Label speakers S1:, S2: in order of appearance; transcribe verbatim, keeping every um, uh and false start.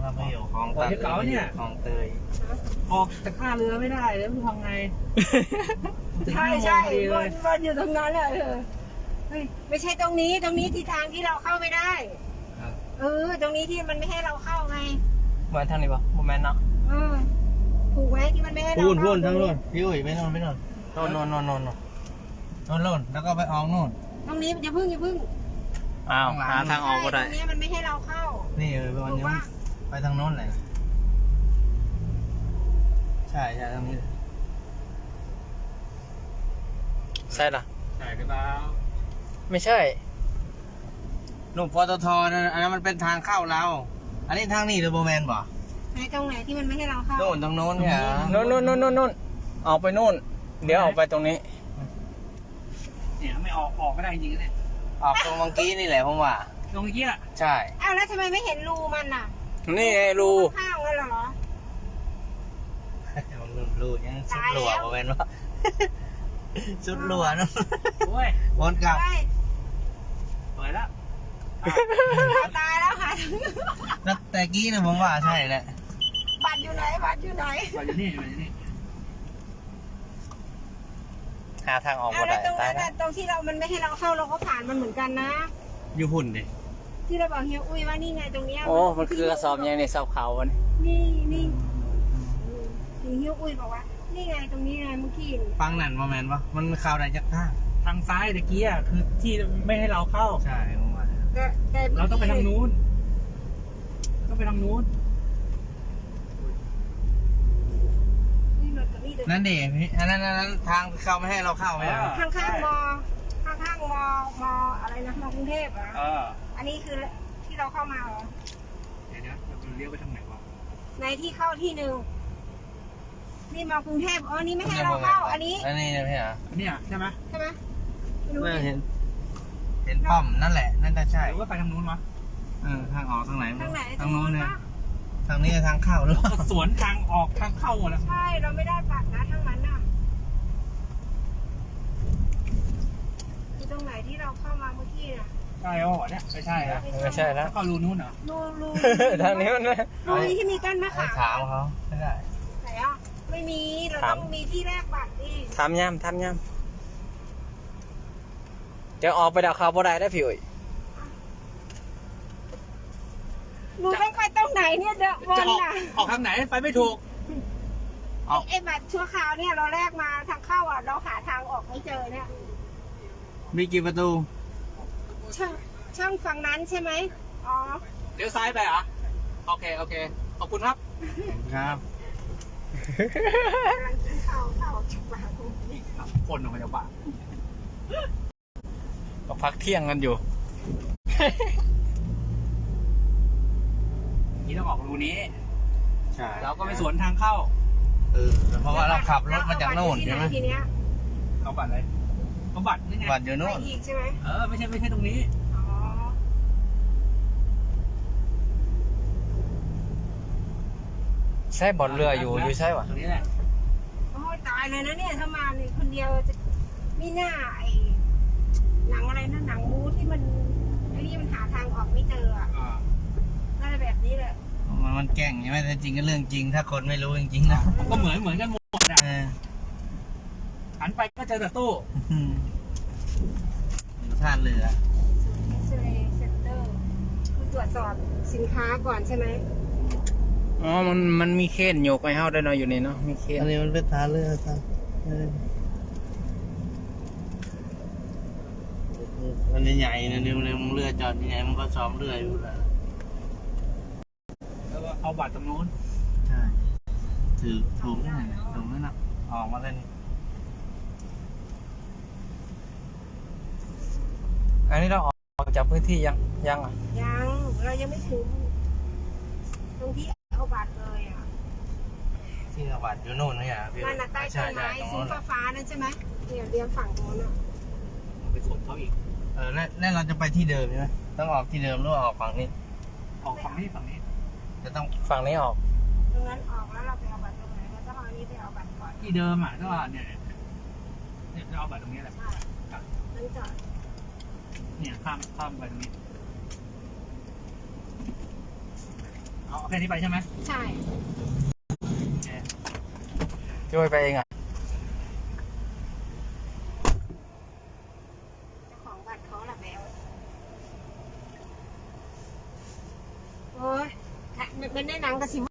S1: เราไม่อยู่คลองตัดเก๋าเนี่ยคลองเตยออกจากท่าเรือไม่ได้แล้วทำไง
S2: ใช่ใช่วนวนอยู่ตรงนั้นแหละเออเฮ้ยไม่ใช่ตรงนี้ตรงนี้ที่ทางที่เราเข้าไม่ได้เออตรงนี้ที่มันไม่ให้เราเข้าไง
S1: เหมือนทางนี้ปะโมเมนต์เนาะ
S2: เออถูกไหมที่มันไม่ให้เราเข้า
S1: พูนพูนทั้งโน่นพี่อุ้ยไม่นอนไม่นอนโน่นโน่นโน่นโน่นโน่นโน่นแล้วก็ไปออกโน่น
S2: ตรงนี้อย่าพึ่งอย่าพึ่ง
S1: อ้าวหาทางออกก็ได้
S2: ตรงนี้มันไม่ให้เราเข้า
S1: นี่เออวันนี้ไปทางโน้นเลยใช่ใช่ทางนี้ใช่หรอใช่หรือเปล่าไม่ใช่หนุ่มปตทนั่นอันนั้นมันเป็นทางเข้าเราอันนี้ทางนี้หรือโบแมนบ่
S2: ไหนตรงไหนที่มันไม่ให้เราเข้า
S1: โน่นทางโน้นเนี่ยโน่นโน่นโน่นโน่นออกไปโน่นเดี๋ยวออกไปตรงนี้เนี่ยไม่ออกออกไม่ได้จริงๆเนี่ยออกตรงเมื่อกี้นี่แหละผมว่าตรงเมื่อกี้อ่ะใช่
S2: อ้าวแล้วทำไมไม่เห็นรูมันอ่ะ
S1: นี่ไงรู
S2: ข้างเลยเหรอ
S1: รูยังสุดหลัวโบแมนว่าสุดหลัวนะโอ้ยวนกลับเปิดแล้ว
S2: ตายแล้วค่ะ
S1: แล้วแต่กี้นะผมว่าใช่แหละ
S2: บัตรอยู่ไหนบัตรอยู่ไหน
S1: บัตรอยู่นี่บัตรอยู่นี่หาทางออกก็ได้
S2: ตรงนั้นตรงที่เรามันไม่ให้เราเข้าเราก็ผ่านมันเหมือนกันนะ
S1: อยู่หุ่นดิ
S2: ที่เราบอกเฮียอุ้ยว่านี่ไงตรงเนี้ย
S1: โอ้มันคือกระสอบยังในเสาเขาวะ
S2: นี่นี่เฮียอุ้ยบอกว่านี่ไงตรงนี้ไงเมื่อกี้
S1: ฟังนั่นโมเมนต์วะมันเข้าได้จากทาง
S3: ทางซ้ายตะกี้อ่ะคือที่ไม่ให้เราเข้า
S1: ใช่ผมว่า
S3: เราต้องไปทางนู้นต้องไปทางนู้น
S1: นั่นดิอันนั้นนั้นทางเข้าไม่ให้เราเข้าไหม
S2: ข้างข้างมอข้างข้างมอมออะไรนะมอกรุงเทพอ่ะอันนี้คือที่เราเข้ามาเหรอ
S3: เดี๋ยวนะเราเลี้ยวไปทางไหนวะ
S2: ในที่เข้าที่หนึ่งนี่มอกรุงเทพอ๋อนี่ไม่ให้เราเข้าอันนี้
S1: อันนี้นะพี่อ่ะ
S3: อันนี้อ่ะใช่ไหม
S2: ใช่ไหม
S1: ไม่เห็นเห็นป้อมนั่นแหละนั่นจะใช่
S3: หรือว่าไปทางนู้นวะ
S1: เออทางออกทางไหน
S2: ทางไหน
S1: ทางนู้นเนี่ยทางนี้ทางเข้าหรือ
S3: สวนทางออกทางเข้าหมดแล้ว
S2: ใช่เราไม่ได้บัตรนะทางนั้นน่ะที่ตรงไหนที่เราเข้ามาเมื่อกี้น่ะ
S3: ใช่อ๋อเนี่ยไม่ใช่แล้ว
S1: ไม่ใช่แล้ว
S3: เข้ารูนู้นเหรอ
S2: รูรู
S1: ทางนี้มัน
S2: รูนี้ที่มีก้านมะขาม
S1: ถามเขาไม่ได้
S2: ไหนอ่ะไม่มีเราต้องมีที่แรกบัตรดิ
S1: ถามย่ำถามย่ำเดี๋ยวออกไปดาวเขาบ่ได้ได้พี่อุ้ย
S2: หนูต้องไปตรงไหนเนี่ยเดอะบอลน่ะ
S3: ออกทางไหนไปไม่ถูก
S2: ไอ้บัตรชั่วคราวเนี่ยเราแรกมาทางเข้าอ่ะเราหาทางออกไม่เจอเนี่ย
S1: มีกี่ประตู
S2: ช่องช่องฝั่งนั้นใช่ไหมอ๋อ
S3: เลี้ยวซ้ายไปเหรอโอเคโอเคขอบคุณครับ
S1: ครับ
S2: กำลังกินข้าวข้าวจุกปาก
S3: คนออกมาจากบ้าน
S1: ก็พักเที่ยงกันอยู่
S3: นี่ต้องออกรูนี้
S1: ใช่
S3: เราก็ไปสวนทางเข้า
S1: เออเพราะว่าเราขับรถมาจากโน่นใช่ไหม
S2: ทีเนี้ย
S3: เอาบัตรอะไรเอาบัตรนี่ไง
S1: บัตรอยู่โน่น
S2: อีกใช่ไหม
S3: เออไม่ใช่ไม่ใช่ตรงนี้
S2: อ๋อ
S1: ใช่บอลเรืออยู่อยู่ใช่ปะ
S3: ตรงนี้แหละ
S2: โอ้ตายเลยนะเนี่ยถ้ามาเนี่ยคนเดียวจะไม่น่าไอ้หนังอะไรนะหนังมูที่มันไอ้นี่มันหาทางออกไม่เจออ่ะน่าจะแบบนี้แหละ
S1: มันมันแกล้งใช่ไหมแต่จริงก็เรื่องจริงถ้าคนไม่รู้จริงๆนะ
S3: ก็เหมือนเหมือนกันหมดอ่ะหันไปก็เจอแต่ตู้
S1: ท่าเรือ
S2: เซ็นเตอร์คือตรวจสอบสินค้าก่อนใช่ไหม
S1: อ๋อมันมันมีเคนโยกไปเฮาได้เนาะอยู่นี่เนาะมีเคนอันนี้มันเป็นท่าเรือครับมันใหญ่นะเนี่ยมันเรือจอดใหญ่มันก็ซ้อมเรืออยู่แล้ว
S3: แล้วก็เอาบัตรตรงนู้น
S1: ใช่ถือถุงนี่ถุงนั่นนะออกมาเลยนี่อันนี้เราออกจากพื้นที่ยังยังอ่ะ
S2: ยังเรายังไม่ถึงตรงที่เอาบัตรเลยอ่ะ
S1: ที่เอาบัตรอยู่โน่นนี่อ่ะ
S2: นั่นน่ะใต้ต้นไม้สีฟ้าๆนั่นใช่ไหมเนี่ยเรียงฝั่งโน้นอ่ะ
S3: ไปสวนเขาอีก
S1: เออแล้วเราจะไปที่เดิมใช่ไหมต้องออกที่เดิมหรือออกฝั่งนี้
S3: ออกฝั่งนี้ฝั่งนี้
S1: จะต้องฝั่งนี้ออก
S2: ตรงนั้นออกแล้วเราไปเอาบัตรตรงไหนเราต้องเอาอันนี้ไปเอาบัตรก่อน
S3: ที่เดิมอ่ะก็เนี่ยเนี่ยจะเอาบัตรตรงนี้แหละ
S2: นั่นจอด
S3: เนี่ยข้ามข้ามไปตรงนี้เอาแค่นี้ไปใช่ไหม
S2: ใช่
S1: ช่วยไปเองอ่ะ
S2: เจ้าของบัตรเขาละแมวโอ้ยมันได้หนังกระสิ